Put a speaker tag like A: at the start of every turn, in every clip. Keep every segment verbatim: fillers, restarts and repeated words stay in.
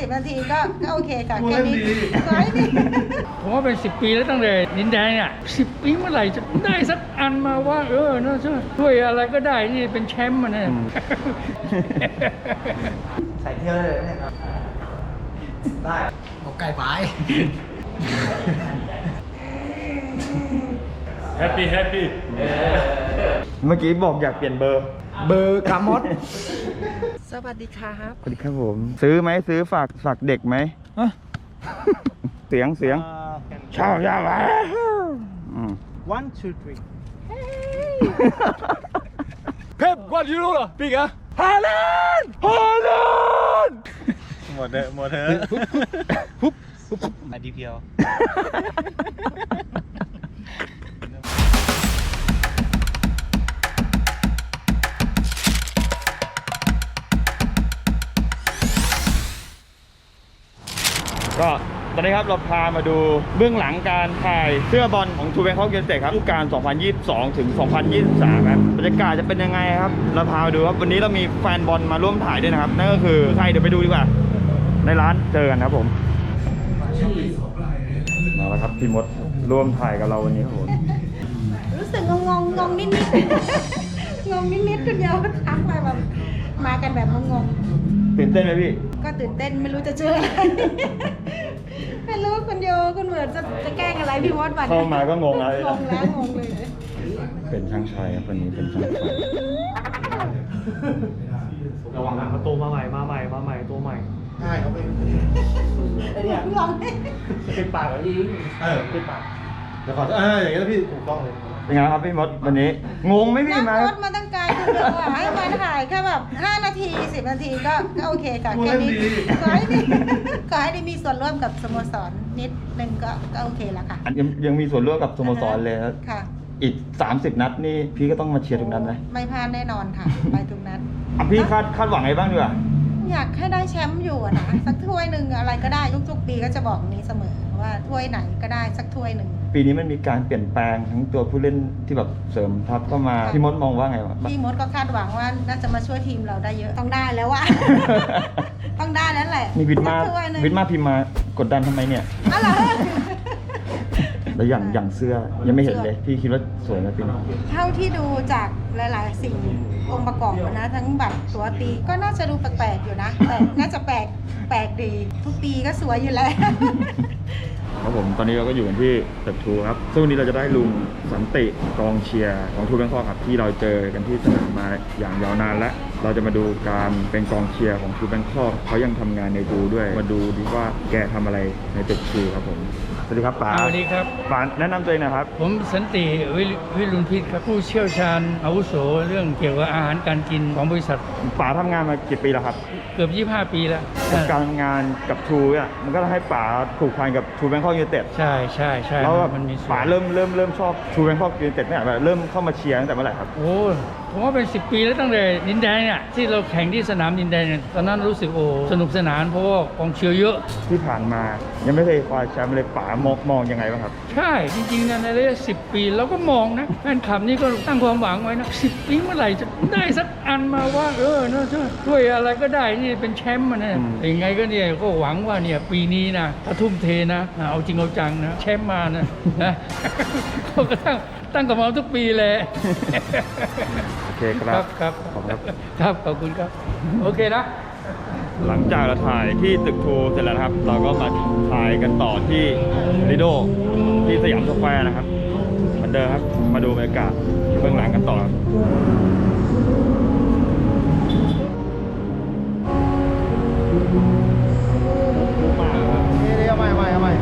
A: บนาทีก็ก็โอเคค่ะแค่นี้ขอให้ดี
B: ผมว่าเป็นสิบปีแล้วตั้งแต่ดินแดงเนี่ยสิบปีเมื่อไหร่จะได้สักอันมาว่าเออน่าช่วยช่วยอะไรก็ได้นี่เป็นแชมป์มันเนี่ย
C: ใส่เที่ยวเลยเนี่ยครับได้เอาไก่ไป
B: แฮปปี้แฮปปี้
D: เมื่อกี้บอกอยากเปลี่ยนเบอร์
C: เบอร์กามอส
A: สวัสดีครับ
D: สวัสดีครับผมซื้อไหมซื้อฝากฝากเด็กไหมเสียงเสียงชอบชอบอ่ะ
C: one two three
B: เพ็บกวาดยูโรเหรอปีกอะฮาแลนด์ฮาแลนด์
C: หมดเถอะหมดเถอะปุ๊บปุ๊บมาดีเพียว
D: ก็ตอนนี้ครับเราพามาดูเบื้องหลังการถ่ายเสื้อบอลของทูแบงคอกยูไนเต็ดครับฤดูกาลสองพันยี่สิบสองถึงสองพันยี่สิบสามครับบรรยากาศจะเป็นยังไงครับเราพามาดูครับวันนี้เรามีแฟนบอลมาร่วมถ่ายด้วยนะครับนั่นก็คือใครเดี๋ยวไปดูดีกว่าในร้านเจอกันครับผมมาแล้วครับพี่มดร่วมถ่ายกับเราวันนี้ครับผม
A: รู้สึกงงงงงนิดนิดงงนิดนิดคนเดียวทักไปแบบมากันแบบงง
D: ตื่นเต้นไหมพี่
A: ก็ตื่นเต้นไม่รู้จะเจออะไรไม่รู้คนเดียวคนเหมือนจะจะแกล้งอะไรพี่มดบัด
D: เข้ามาก็งงแล้ว
A: งงแล้วงงเลย
D: เป็นช่างชายครับวันนี้เป็นช่างชาย
C: ระวังนะเขาโตมาใหม่มาใหม่มาใหม่โตใหม่ใช่เขาเป็นไอ้เนี่ย
A: ลอง
C: ปิดปากแล้วยิงเออปิดปากเดี๋ยวขอเอออย่างนี้แล้วพี่ถูกต้องเลย
D: เป็นไงครับพี่มดวันนี้งงไหมพี่
A: มามาตั้งไกลคือเดี๋ยวให้มาถ่ายแค่แบบห้านาทีสิบนาทีก็ก็โอเคค่ะแค่นี้ขอให้ดีขอให้ได้มีส่วนร่วมกับสโมสรนิดนึงก็ก็โอเคแล้วค่ะ
D: ยังยังมีส่วนร่วมกับสโมสรเลยครับ
A: ค่ะ
D: อีกสามสิบนัดนี่พี่ก็ต้องมาเชียร์ทุกนัดไหม
A: ไม่พลาดแน่นอนค่ะไปทุกนัด
D: อ่ะพี่คาดคาดหวังไงบ้างดีกว่า
A: อยากให้ได้แชมป์อยู่นะสักถ้วยหนึ่งอะไรก็ได้ทุกๆปีก็จะบอกนี้เสมอว่าถ้วยไหนก็ได้สักถ้วยหนึ่ง
D: ปีนี้มันมีการเปลี่ยนแปลงทั้งตัวผู้เล่นที่แบบเสริมทัพเข้ามาพี่มดมองว่าไงวะ
A: พี่มดก็คาดหวังว่าน่าจะมาช่วยทีมเราได้เยอะต้องได้แล้วว่ะต้องได้แล้วแหละ
D: นี่วิทมาวิทมาพิมมากดดันทำไมเนี่ย
A: อะไร
D: แล้วอย่างอย่างเสื้อยังไม่เห็นเลยพี่คิดว่าสวยไหมปีนี้
A: เท่าที่ดูจากหลายๆสิ่งองค์ประกอบนะทั้งบัตรตัวตีก็น่าจะดูแปลกๆอยู่นะแต่น่าจะแปลกแปลกดีทุกปีก็สวยอยู่แล้ว
D: ครับผมตอนนี้เราก็อยู่กันที่ตึกทูครับซึ่งวันนี้เราจะได้ลุงสันติกองเชียร์ของทูแบงคอกครับที่เราเจอกันที่สนามมาอย่างยาวนานแล้วเราจะมาดูการเป็นกองเชียร์ของทูแบงคอกเขายังทำงานในทูด้วยมาดูดีว่าแกทำอะไรในตึกทูครับผมสวัสดีครับป๋า
B: สวัสดีครับ
D: ป๋าแนะนำตัวเองนะครับ
B: ผมสันติวิรุณพิษครับผู้เชี่ยวชาญอาวุโสเรื่องเกี่ยวกับอาหารการกินของบริษัท
D: ป๋าทำงานมากี่ปีแล้วครับ
B: เกือบยี่สิบห้าปีแล้ว
D: การทำงานกับทูเนี่ยมันก็ให้ป๋าผูกพันกับทูแบงคอกยูไนเต็ด
B: ใช่ใช่ใช่
D: แล้วมันมีป๋าเริ่มเริ่มเริ่มชอบทูแบงคอกยูไนเต็ดเนี่ยแบบเริ่มเข้ามาเชียร์ตั้งแต่เมื่อไหร่ครับ
B: โอ้ผมว่าเป็นสิบปีแล้วตั้งแต่ดินแดงเนี่ยที่เราแข่งที่สนามดินแดงเนี่ยตอนนั้นรู้สึกโอ้สนุกสนานเพราะว่ากองเชียร์เยอะ
D: ที่ผ่านมายังไม่เคยคว้าแชมป์เลยป๋ามองมองยังไงบ้างครับ
B: ใช่จริงๆในระยะสิบปีเราก็มองนะแฟนคลับนี่ก็ตั้งความหวังไว้นะสิบปีเมื่อไหร่จะได้สักอันมาว่าเออน่าช่วยช่วยอะไรก็ได้นี่เป็นแชมป์มันเนี่ยยังไงก็เนี่ยก็หวังว่าเนี่ยปีนี้นะถ้าทุ่มเทนะเอาจริงเอาจังนะแชมป์มานะนะก็ตั้งตั้งกับเราทุกปีเลย
D: โอเคครับ
B: ครับขอบคุณครับขอบคุณครับโอเคนะ
D: หลังจากเราถ่ายที่ตึกทูเสร็จแล้วครับเราก็มาถ่ายกันต่อที่ลิโดที่สยามสแควร์นะครับเหมือนเดิมครับมาดูบรรยากาศเบื้องหลังกันต่อครับ
C: เอาใหม่เอาใหม่เอาใหม่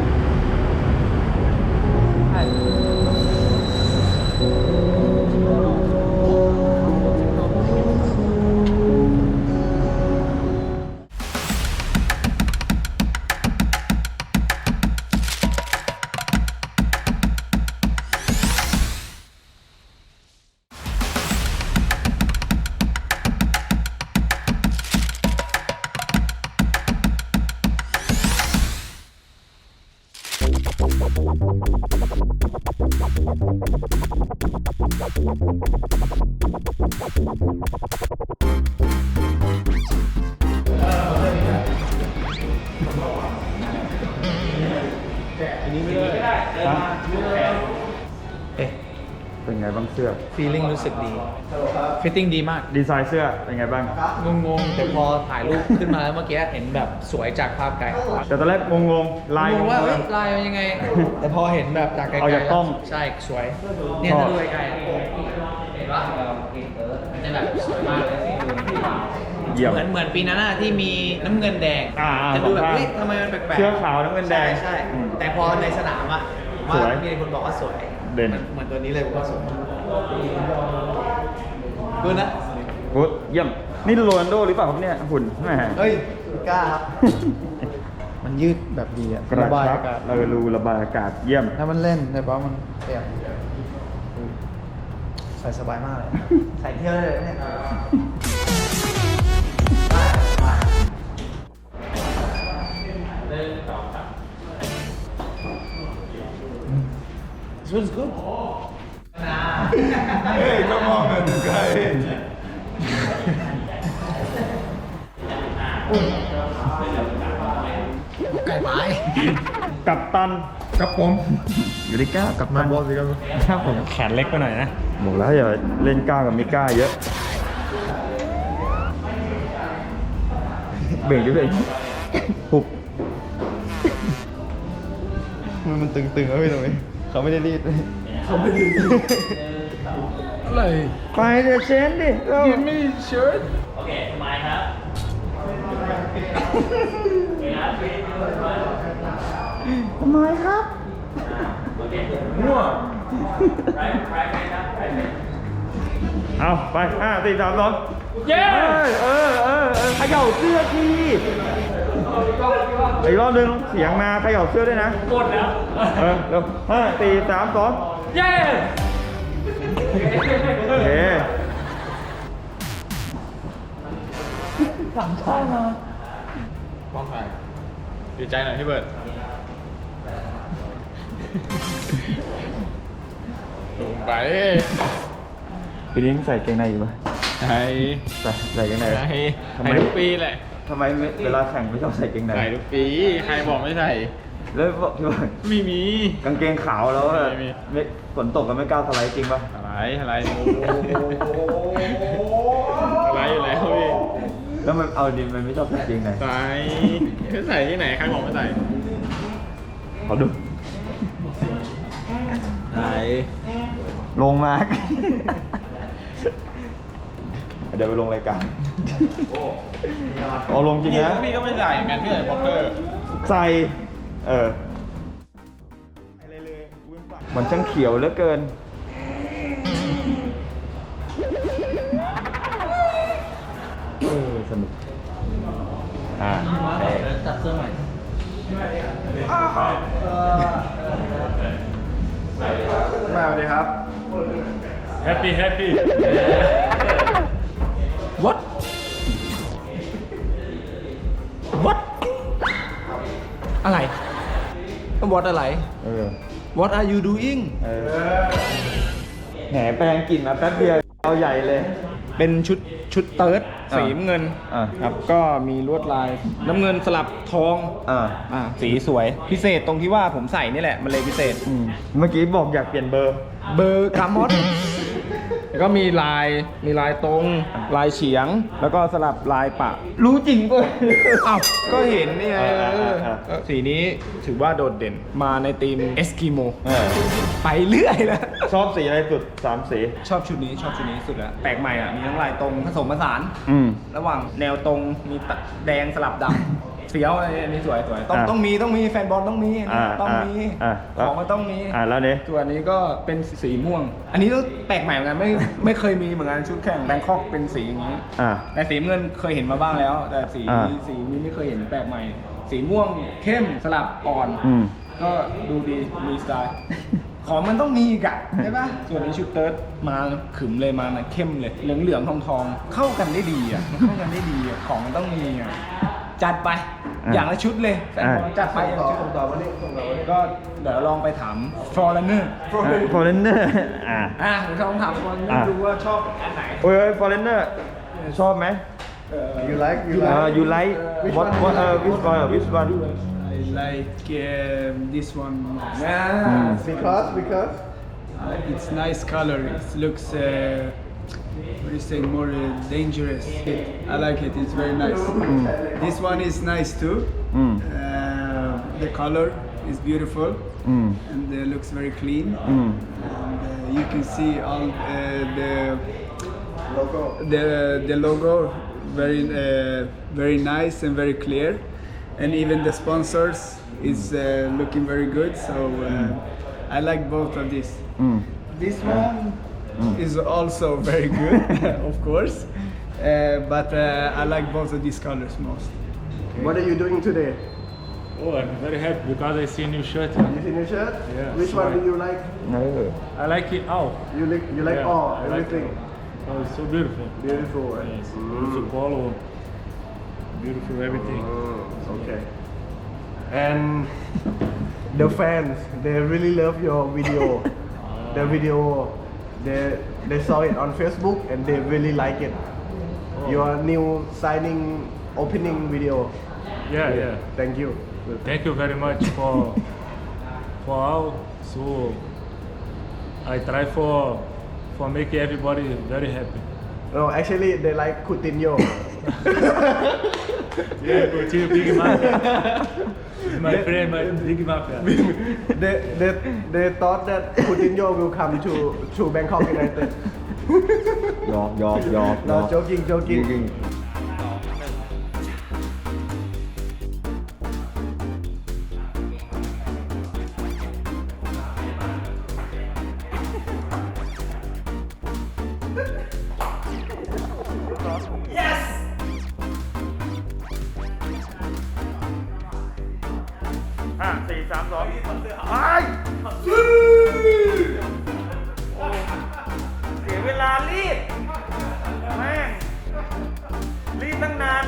E: เอ๊ะ
D: เป็นไงบ้างเสื้อ
E: feeling รู้สึกดี fitting ดีมาก
D: ดีไซน์เสื้อเป็นไงบ้าง
E: งงๆ แต่พอถ่ายรูปขึ้นมาแล้วเมื่อกี้เห็นแบบสวยจากภาพไกล
D: แต่ตอนแรกงงๆลาย
E: งงว่า
D: ๆ
E: เอ้ยลายมันยังไง แต่พอเห็นแบบจากไกลๆ
D: เอาจากกล้อง
E: ใช่สวย เนี่ย
D: ชอบ
E: ถ้าดูไกลๆอะเห็นปะมันจะแบบสวยมากเลย
D: เยี่ยม
E: เหมือนเหมือนปีนั้นอะที่มีน้ำเงินแดง
D: อ่าๆ
E: จะดูแบบ
D: สองข้าง
E: เฮ้ยทำไมมันแปลกๆ
D: เสื้อขาวน้ำเงินแดง
E: ใช่ใช่
D: อืม
E: แต่พอในสนามอะ
D: สวย
E: ว่ามีคนบอกว่าสวย
D: เด่น
E: หมือเหมือนตัวนี้เลยผมว่าสวยดูนะ
D: โอ้เยี่ยม นี่โรนัลโดหรือเปล่าครับเนี่ยหุ่นแหม
E: เฮ้ยกล้าครับ มันยืดแบบดีอะ
D: กระ
E: บาย
D: ชับ
E: อากาศ
D: เรารูระบายอากาศเยี่ยม
E: ถ้ามันเล่นแต่ว่ามันเปียกใส่สบายมากเลย ใส่เที่ยวได้เลยเนี่ย This one's good.
D: เฮ้ยก็มองเหมือนไกล
E: ไก่ไม้
D: กับตัน
E: กับผม
D: อยู่ที่ก้ากับตัน
E: บอลสิครับ
D: ครับผมแขนเล็กไปหน่อยนะบอกแล้วอย่าเล่นก้าวกับมิก้าเยอะ เบ่งดิเบ่งปุบ
C: มันมันตึงๆแล้วพี่ตรงนี้เขาไม่ได้รีด
E: อะไร
D: ไปเดี๋ยวเชนดิเร็ว
E: Give me shirt
D: ทำไมครับมั่วเอาไปห้าสี่สามสอง
B: เย้
D: เออเออเออเออเขย่าเสื้อทีอีกรอบหนึงเสียงมาเขย่าเสื้อด้วยนะ
B: กดแล้ว
D: เออเร็วห้าสี่สามสอง
B: เย้
D: โอเค
C: มองถ่ายดีใจหน่อยพี่เบิร์ดลงไป
D: ปีนี้ใส่เกงในอยู่ปะ
C: ใช่
D: ใส่ใส่เกงใน
C: ใช่
D: ทำไม
C: ใส่ทุกปีแหละ
D: ทำไมเวลาแข่งไม่ชอบใส่เกงใน
C: ใส่ทุกปี ใครบอกไม่ใส่
D: แล้วบอกที่ว่า
C: ไม่มี
D: กางเกงขาวแล้วแบบ
C: ไม่มี
D: ไม่ฝนตกก็ไม่กล้าสไลด์จริงปะ
C: อะไรอะไรอะไรอยู่แล้วพี่
D: แล้วมันเอาดิมันไม่ชอบใส่เกงใน
C: ใส่ใส่ที่ไหนใครบอกไม่ใส่
D: ขอดู
C: ใส่
D: ลงมา เดี๋ยวไปลงรายการเอาลงจริงนะ
C: พี่ก็ไม่ใส่เหมือนกันพี่ใส่บ็อกเกอร์
D: ใส่ เออมันช่างเขียวเหลือเกิน เออสนุก อ่า
E: จับเสื้อใหม่
C: มาสวัสดีครับ
B: แฮปปี้แฮปปี้
E: What What อะไร What อะไร
D: เออ
E: What are you doing
D: เออแหมแปลงกลิ่นมาแป๊บเดียวเอาใหญ่เลย
E: เป็นชุดชุดเติร์ด
D: อ่า
E: สีน้ำเงิน
D: อ่า
E: ครับก็มีลวดลายน้ำเงินสลับทอง
D: อ่า
E: อ่าสีสวยพิเศษตรงที่ว่าผมใส่นี่แหละ มันเลยพิเศษ
D: อืมเมื่อกี้บอกอยากเปลี่ยนเบอร์
E: เบอร์กามอส แล้วก็มีลายมีลายตรง ลายเฉียง แล้วก็สลับลายปะ
D: รู้จริงป่ะ
E: อ้าวก็เห็นนี่ไง
D: อ่า
E: เออ
D: อ่า
E: เออสีนี้ถือว่าโดดเด่นมาในธีมเอสกิโม
D: เออ
E: ไปเรื่อยแล้ว
D: ชอบสีอะไรสุดสามสี
E: ชอบชุดนี้ชอบชุดนี้สุดแล้วแปลกใหม่อ่ะ มีทั้งลายตรงผสมผสาน
D: อืม
E: ระหว่างแนวตรงมีตะแดงสลับดำ เฟี้ยวอะไรอันนี้สวยสวยต้อง
D: อ่ะ
E: ต้องมีต้องมีแฟนบอลต้องมีอันนี้
D: อ่า
E: ต้องมี
D: อ่า
E: ของมันต้องมี
D: อ่าแล้วเนี่ย
E: ส่วนอันนี้ก็เป็นสีม่วง อันนี้ก็แปลกใหม่เหมือนกันไม่ไม่เคยมีเหมือนกันชุดแข่งแบงคอกเป็นสีอย่างนี้
D: อ่า
E: แต่สีเงินเคยเห็นมาบ้างแล้ว แต่สี
D: อ่า
E: สีนี้ไม่เคยเห็นแปลกใหม่ สีม่วงเข้มสลับอ่อน
D: อืม
E: ก็ดูดีมีสไตล์ ของมันต้องมีอีกอะใช่ปะส่วนนี้ชุดเติร์ดมาขึมเลยมานะเข้มเลย เหลืองเหลืองทองทองๆเข้ากันได้ดีอะมันเข้ากันได้ดีอะของมันต้องมีอะจัดไป
D: อ่ะ
E: อย่างละชุดเลยแฟนบอล
D: อ่ะ
E: จัดไปอย่างละชุดต่อวันนี้ก็เดี๋ยวลองไปถามฟอร์เรนเนอร์
D: ฟอร์เรนเนอร์ อ่า
E: อ่ะผมลองถามฟอร์เรนเนอ
D: อ่ะ
E: ร์ดูว่าชอบอันไหน
D: โอ้ยฟอร์เรนเนอร์ ชอบไหม
E: เอ่อ
C: you like you
D: เอ่อ you like what what เอ่อ which one which one
F: I like um, this one most.
E: Yeah.
C: because because
F: Uh, it's nice color. It looks, uh, what do you say, more uh, dangerous. It, I like it. It's very nice. This one is nice too.
D: Mm.
F: Uh, the color is beautiful
D: Mm.
F: and uh, looks very clean.
D: Mm.
F: And uh, you can see all uh, the
C: logo
F: the the logo very uh, very nice and very clear, and even the sponsors is uh, looking very good. So uh, I like both of these.
D: Mm.
F: This one is also very good, of course, uh, but uh, I like both of these colors most.
C: what are you doing today
G: Oh, I'm very happy because I see a new shirt.
C: you see new shirt
G: Yeah,
C: which one do you like
D: เออ
G: I like it all.
C: you like you like
G: Yeah,
C: all
G: I like
C: everything
G: it. Oh, it's so beautiful.
C: beautiful right?
G: Yes, beautiful polo, beautiful everything.
C: Mm, okay and the fans they really love your video the video they they saw it on Facebook and they really like it your new signing opening video
G: Yeah, yeah.
C: thank you
G: Thank you very much for for all. So I try for for making everybody very happy.
C: no actually they like Coutinho
G: Yeah, continue Big Mafia. My friend, my Big Mafia.
C: they, they, they thought that Coutinho will come to, to Bangkok United.
D: หยอกหยอกหยอกหย
C: No,
D: อก
C: joking, joking.
D: จริง ห้าสี่สามสองไปเสียเวลารีบแม่งรีบตั้งนาน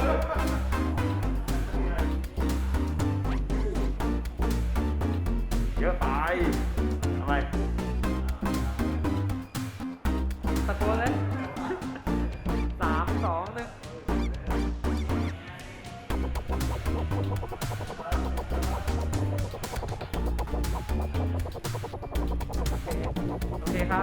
D: เยอะไปทำไมตะโกนเลยสามสองหนึ่ง โอเคครับ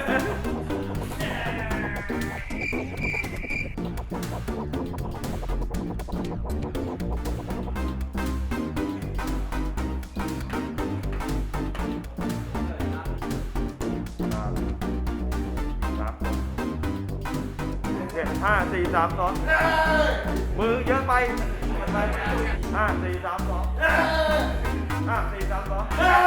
D: ห้าสี่สามสองมือเยอะไปมันไปห้าสี่สามสองห้าสี่สามสอง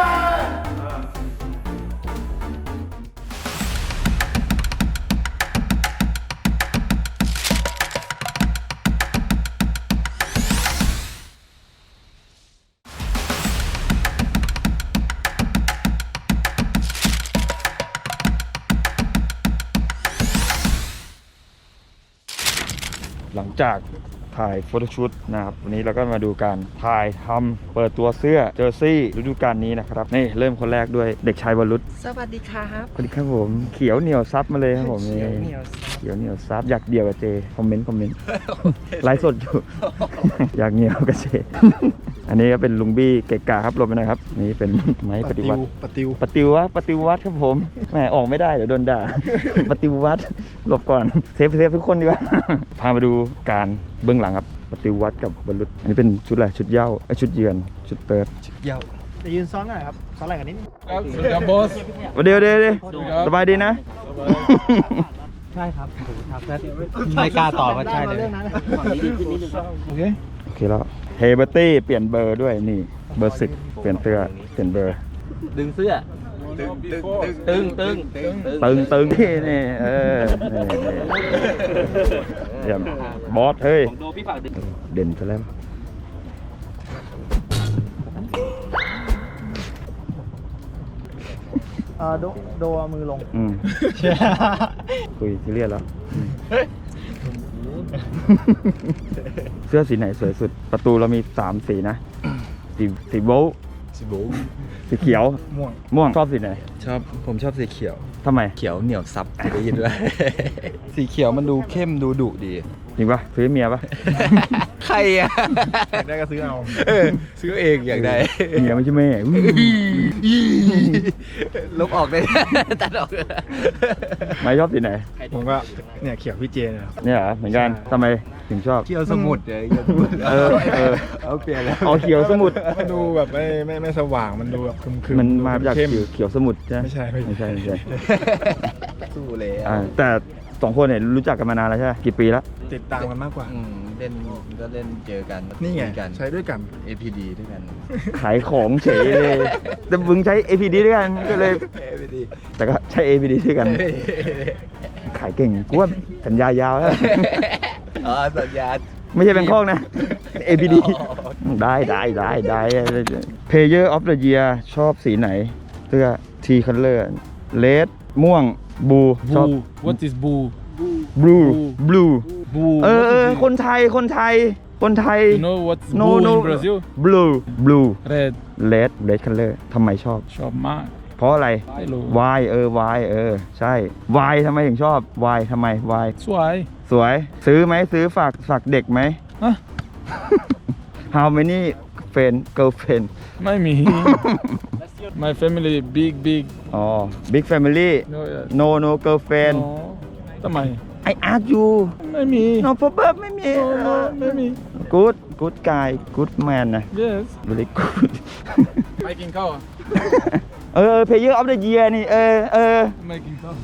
D: หลังจากถ่ายโฟโต้ชูตนะครับวันนี้เราก็มาดูการถ่ายทำเปิดตัวเสื้อเจอร์ซี่ฤดูกาลนี้นะครับนี่เริ่มคนแรกด้วยเด็กชายวรุษ
A: สวัสดีครับ
D: สวัสดีครับผมเขียวเหนียวซับมาเลยครับผมนี่เขียวเหนียวซับอยากเดี่ยวกับเจคอมเมนต์คอมเมนต์ไลฟ์สดอยู่ อยากเหนียวกับเจ อันนี้ก็เป็นลุงบี้เกะกะครับหลบไปหน่อยครับนี่เป็นไม้ปฏิวัติ
C: ปฏิว
D: ปฏิวัติปฏิวัติครับผมแหมออกไม่ได้เดี๋ยวโดนด่า ปฏิวัติหลบก่อนเซฟเซฟทุกคนดีกว่า พามาดูการเบื้องหลังครับปฏิวัติกับบรรลุอันนี้เป็นชุดอะไรชุดเหย้าไอยชุดเยือนชุดเติร์ด
C: จะยืนซ้อนหน่อยครับซ้อนอะไรกันนิดนึง
D: เดี๋ยวเดี๋ยวเดี๋ยวสบายดีนะ
C: ใช่ครับครับไม่กล้าตอบว่าใช่เลยโอเค
D: โอเคแล้วเฮเบอร์ตี้เปลี่ยนเบอร์ด้วยนี่เบอร์สิบเปลี่ยนเสื้อเปลี่ยนเบอร์
H: ดึงเสื้อ ตึงตึงตึงตึง
D: ตึงตึงนี่นี่เออนี่นี่เยี่ยมบอสเฮ้ย
H: ของโดพี่ฝากดึง
D: เด่นซะแล้ว
C: เอ่อโดโดเอามือลง
D: อืมคุยซีเรียสแล้วอืมเสื้อสีไหนสวยสุด ประตูเรามีสามสีนะสีสีโบลต์
I: สีโบ๊ท
D: สีเขียว
C: ม่วง
D: ม่วงชอบสีไหน
I: ชอบผมชอบสีเขียว
D: ทำไม
I: เขียวเหนียวซับได้ยินด้วย สีเขียวมันดูเข้มดูดุดี
D: อจริงปะซื้อเมียปะ
I: ใครอ่ะ
C: ได้ก็ซื้อเอา
I: เออซื้อเองอยากได้
D: เมียไม่ใช่แม่อื้อ
I: ลบออกได้ ตัดออก
D: ไม่ชอบสีไหน
C: ผมก็เนี่ยเขียวพี่เจนนะครับ
D: เนี่ยเหรอเหมือนกันทำไมถึงชอบ
I: เที่ยวสมุดเลยเที่ยวสมุด
D: เออเออ
I: เอาเปลี่ยนแล้ว
D: เอาเขียวสมุทร
C: มันดูแบบไม่ไม่ไม่สว่างมันดูแบบครึมๆ
D: มันมา
C: ดู
D: จาก
C: เข้ม
D: เขียวเขียวสมุทรใช่ไหม
C: ไม่ใช่ไม่
D: ไม่
C: ใช่
D: ใช่ไม่ใช่
I: สู้เลย
D: อ่าแต่สองคนเนี่ยรู้จักกันมานานแล้วใช่ไหมกี่ปีแล้ว
C: ติดตามกันมากกว่า
I: อืมเล่นก็เล่นเจอกัน
C: นี่ไง
I: คุยกัน
C: ใช้ด้วยกัน
I: เอ พี ดี ด้วยกัน
D: ขายของเฉยเลยแต่มึงใช้ เอ พี ดี ด้วยกันก็เลย
I: เอ พี ดี
D: แต่ก็ใช้ เอ พี ดี ด้วยกัน ขายเก่งกูว่าสัญญายาวแล้ว
I: อ๋อสัญญาณ
D: ไม่ใช่แบงคอกนะ เอ พี ดี ได้ได้ได้ได้ Player of the Year ชอบสีไหนเสื้อ T color red ม่วง blue ชอบ
G: What is blue
D: blue blue
G: blue
D: เออเออคนไทยคนไทยคนไทย
G: You know what's
D: no
G: blue
D: no
G: in Brazil
D: blue blue
G: Red
D: red red color ทำไมชอบ
G: ชอบมาก
D: เพราะอะไร
G: ไม่รู้
D: why เออ why เออ ใช่ why ทำไมถึงชอบ why ทำไม why
G: สวย
D: สวย ซื้อไหมซื้อฝากฝากเด็กไหม
G: ฮะ
D: How many friend girlfriend
G: ไม่มี My family big big
D: อ๋อ big family
G: no yes.
D: no no girlfriend
G: อ๋อทำไม
D: I ask you
G: ไม่มี
D: no problem ไม่มี
G: No, no, ไม่มี
D: good good guy good man นะ
G: yes
D: very good
G: ไปกินข้าว
D: เออ Player of the Year นี่ เออเออ
G: ไม่กินข้าว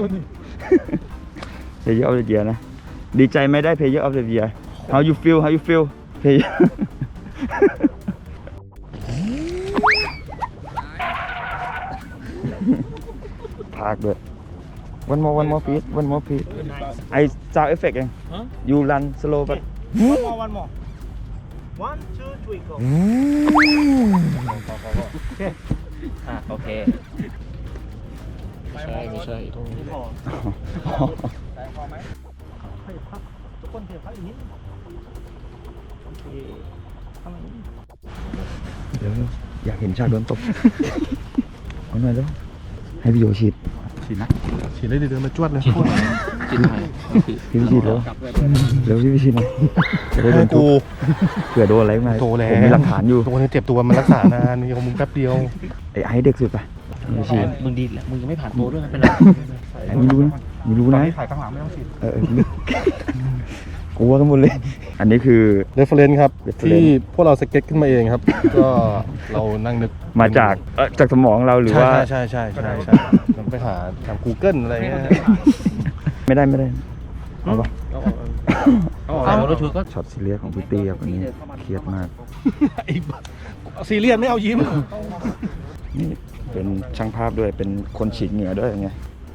D: Player of the Year นะ ดีใจไหมได้ Player of the Year How you feel How you feel Player พากด้วย one more one more please one more please I sound effect เอง
G: Huh?
D: you run slow but
E: one more one more one two three go
H: อ่ะโอเคไม่ใช่ไม่ใช่ตรงนี้
D: เดี๋ยวอยากเห็นฉากโดนตบ เอาหน่อยแล้วให้พี่โยฉีด
C: ฉีดนะฉีดเลยเดินมาจวดเลย
H: กินหน่อย
D: พี่พี่ฉีดแล้วเร็วพี่พี่ฉีดหน่อยจะได้โดนทุบเผื่อโดนอะไรมา
C: โตแล้ว
D: ผมมีหลักฐานอยู่
C: ตัวนี้เจ็บตัวมันรักษานานมีของมึงแป๊บเดียว
D: ไอ้ไอ้เด็กสุดปะพี่ฉีด
H: มึงดีแล้วมึงยังไม่ผ่านโปรด้วยไม่เป็นไร
D: ไอ้ไม่รู้นะไม่รู้นะ
C: ถ่ายข้างหลังไม่ต้องฉีด
D: เออเออกลัวกันหมดเลย อันนี้คือ
C: เรฟเฟรนซ์ครับ
D: reference
C: ที่พวกเราสเก็ตขึ้นมาเองครับ ก็เรานั่งนึก
D: มาจากเอ่อจากสมองเราหรือว่า
C: ใช่ใช่ใช่ใช่ใช่ผมไปหาทาง Google อะไรเงี้ย
D: ไม่ได้ไม่ได้เอาปะ
H: เอาแล้วชุดก็
D: ช็อตซีเรียสของพี่เตี้ยวันนี้เครียดมาก
C: ซีเรียสไม่เอายิ้ม
D: นี่เป็นช่างภาพด้วยเป็นคนฉีดเหงื่อด้วยไง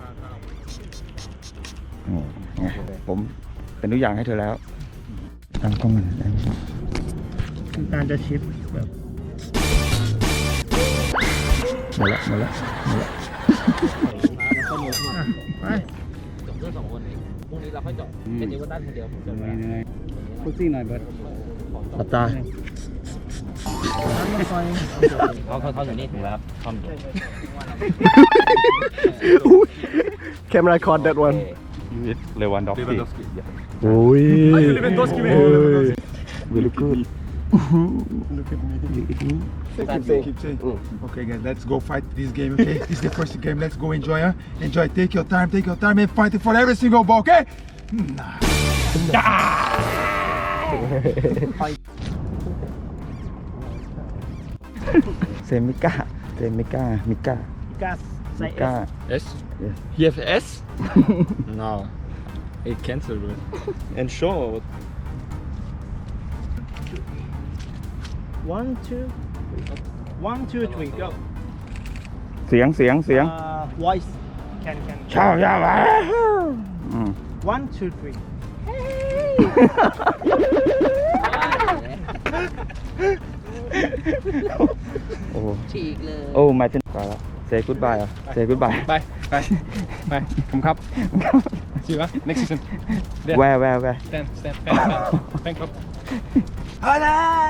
D: อืมไงผมเป็นทุกอย่างให้เธอแล้วตั้งกล้องมันตั้งกล้อง
E: การจะชิปแบบ
D: หมดละหมดละหมดละ
E: ไป
H: จบเรื่องสองคนเองพรุ่งนี้เราค่อยจบเป็นนิวตันคนเดียวผมจบแล้ว
E: พุซซี่หน่อยเบิร์ด
D: หลับตา
H: เขาเขาเขาอยู่นี่ถึงแล้วครับคอมอยู่
C: Can record that one
D: เลวันด็อกซี่โอ้ย
C: Lewandowski
D: โอ้ย very good
C: Look at me Keep saying keep saying
J: Okay guys, let's go fight this game, okay? This is the first game, let's go enjoy, huh? Enjoy, take your time, take your time and fight for every single ball, okay? Nah.
D: เซมิก้าเซมิก้ามิก้า
E: กัส
D: มิก้า
G: S you have S no it cancel bro and show
E: one two one two three go
D: เสียงเสียงเสียง
E: uh, voice can can
D: ชอบชอบอืม
E: one two three
D: โอ้
H: ฉีกเลย
D: โอ้มาถึงไปแล้ว say goodbye อ่ะ say goodbye
G: ไปไปไปผมครับชื่อว่า next season
D: where where where
G: stand stand stand stand ครับ
D: เออ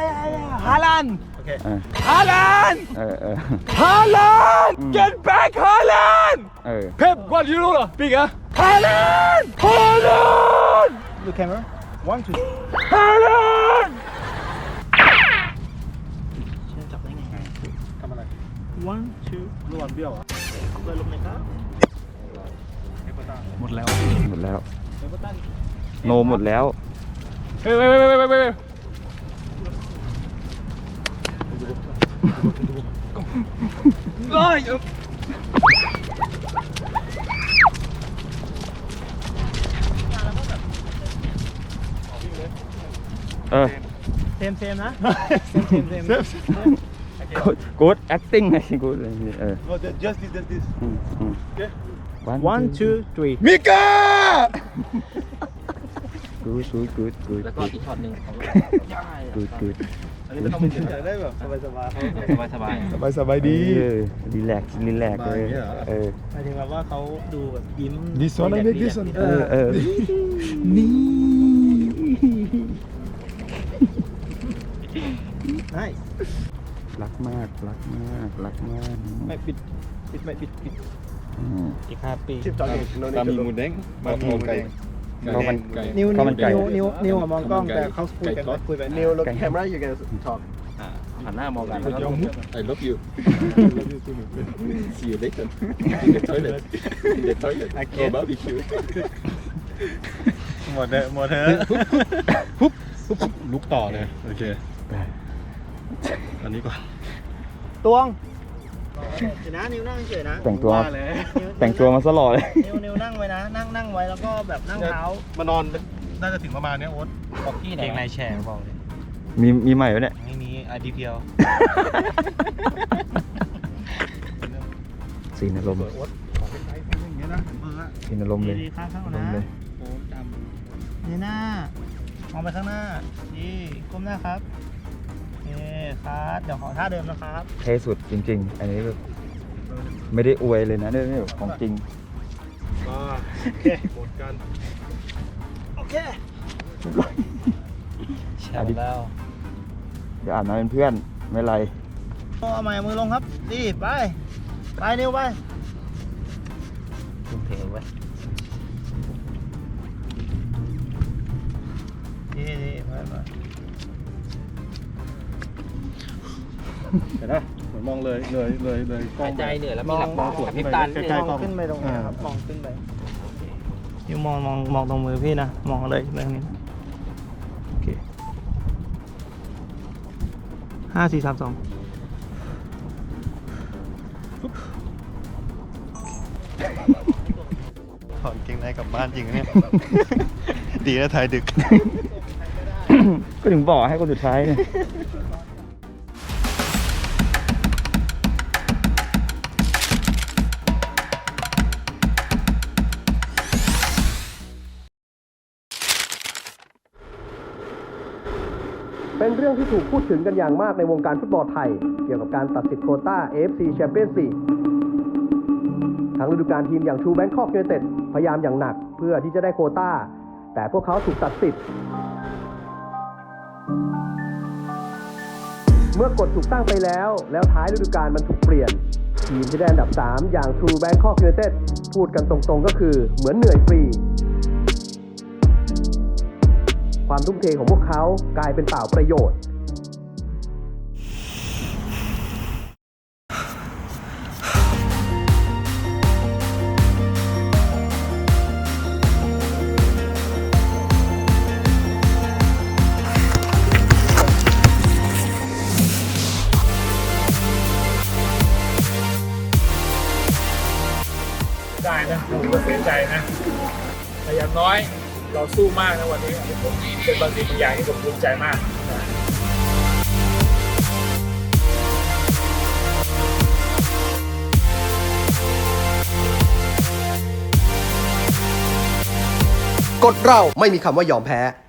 D: เออเออ
G: Haaland get back Haaland
D: เออ
G: Pep Guardiola big อะ Haaland Haaland
E: look camera
C: one two ทำอะไร one two ระหว่างเบี้ยวอ่ะเลยลงเลยครับหมดแล้ว
D: หมดแล้ว โนหมดแล้ว
B: เฮ้ยเฮ้ยเฮ้ยเฮ้ยเฮ้ย
D: เออ
H: เซมเซมนะ
D: good acting ไง good อะไรอย่างเงี้ยเออ
C: no just this just this
D: อืมอืม
H: one two three
C: มิก้า
D: good good good good
H: แล้วก็อีกช็อตหนึ่งของ
D: good good
C: อันนี้เป็นคอมเมนต์อยากได้แบบสบายสบาย
H: สบายสบาย
C: สบายสบายดี
D: เออรีแลกซ์รีแลกซ์เลย
C: สบายอย่างเงี้ยเหรอ
D: เออ
H: หมายถึงแบบว่าเขาดูแบบยิ้ม
J: This one I make this one
D: เออเออ
J: นี่
H: ได้
D: รักมากรักมากรักมาก
H: ไม่ปิดปิดไม่ปิดปิด
D: อืม
H: อีกห้าปี
C: ชิปจอดโน
I: บะหมี่หมูเด้งบะหมี่หมูเด้ง
D: ข้าวมัน
H: นิ้ว
D: ข้าวมันไก่
H: นิ้วนิ้วนิ้วอะมองกล้องแต่เขาคุยกันคุยไป
C: นิว look camera you can talk
H: หันหน้ามองกันแล้วก็
I: I love you see you later in the toilet in the toilet for barbecue
C: หมดเลยหมดเถอะลุกต่อเลยโอเคอันนี้ก่อน
H: ตวงเดี๋ยวนะนิ้วนั่งเฉยนะ
D: แต่งตัว
C: ว่าเลย
D: แต่งตัวมาซะหล่อเลย
H: นิ้วนิ้วนั่งไว้นะ นั่งนั่งไว้แล้วก็แบบนั่งเท้าม
C: านอนน่าจะถึงประมาณเนี้ยโอ๊ต
H: บอกพี่ไหนเพลงนายแชร์บอกเลย
D: มีมีใหม่ไหมเนี่ย
H: ไม่มีอดีเพียว
D: สีนอารมณ์
C: อย่างเงี้ยนะเบอร์อะ
D: สีนอารมณ์เลย
H: ดีๆข้างข้าง
D: อาร
H: นะ
D: มณ์เลย
H: โอ้จำนี่หน้ามองไปข้างหน้าดีก้มหน้าครับเอ๊ครับเดี๋ยวขอท่าเดิมนะครับ
D: เท่สุดจริง ๆ อันนี้แบบไม่ได้อวยเลยนะเนี่ยแบบของจริง
C: มาโอเคหมดกัน
H: โอเคแช
D: อ่ะ
H: ร์
D: ดิ
H: แล้ว
D: เดี๋ยวอ่านมาเป็นเพื่อนไม่เป็นไร
H: เอาใหม่มือลงครับดีไปไปนิ้วไปทุ่มเทไว้ดีดีไปไป
C: เห็นไหมเหมือนมองเลยเลยเลยเลยกล้อง
H: หายใจเหนื่อยแล้วมีหลับมองสวนพิบตา
C: ใกล้ๆกล้อง
H: ขึ้นไปตรงนี้ครับมองขึ้นไปนิ้วมองมองมองตรงมือพี่นะมองเลยเรื่องนี้นะโอเคห้าสี่สามสอง
C: ถอนเกงในกลับบ้านจริงเนี่ย ดีนะถ่ายดึก
D: ก็ถึงบอกให้คนสุดท้ายเนี่ย
K: เป็นเรื่องที่ถูกพูดถึงกันอย่างมากในวงการฟุตบอลไทย เกี่ยวกับการตัดสิทธิ์โควต้า เอ เอฟ ซี Champions League ทั้งฤดูกาลทีมอย่าง True Bangkok United พยายามอย่างหนักเพื่อที่จะได้โควต้า แต่พวกเขาถูกตัดสิทธิ์เมื่อกฎถูกตั้งไปแล้วแล้วท้ายฤดูกาลมันถูกเปลี่ยน ทีมที่ได้อันดับสามอย่าง True Bangkok United พูดกันตรงๆก็คือเหมือนเหนื่อยฟรีความทุ่มเทของพวกเขากลายเป็นเปล่าประโยชน์
B: ได้นะผมก็เสียใจนะแต่อย่างน้อยเราสู้มากนะวันนี้ผมเป็นบางสิ่งบางอย่างที่ผมภูมิใจมากนะ
K: กฎเราไม่มีคำว่ายอมแพ้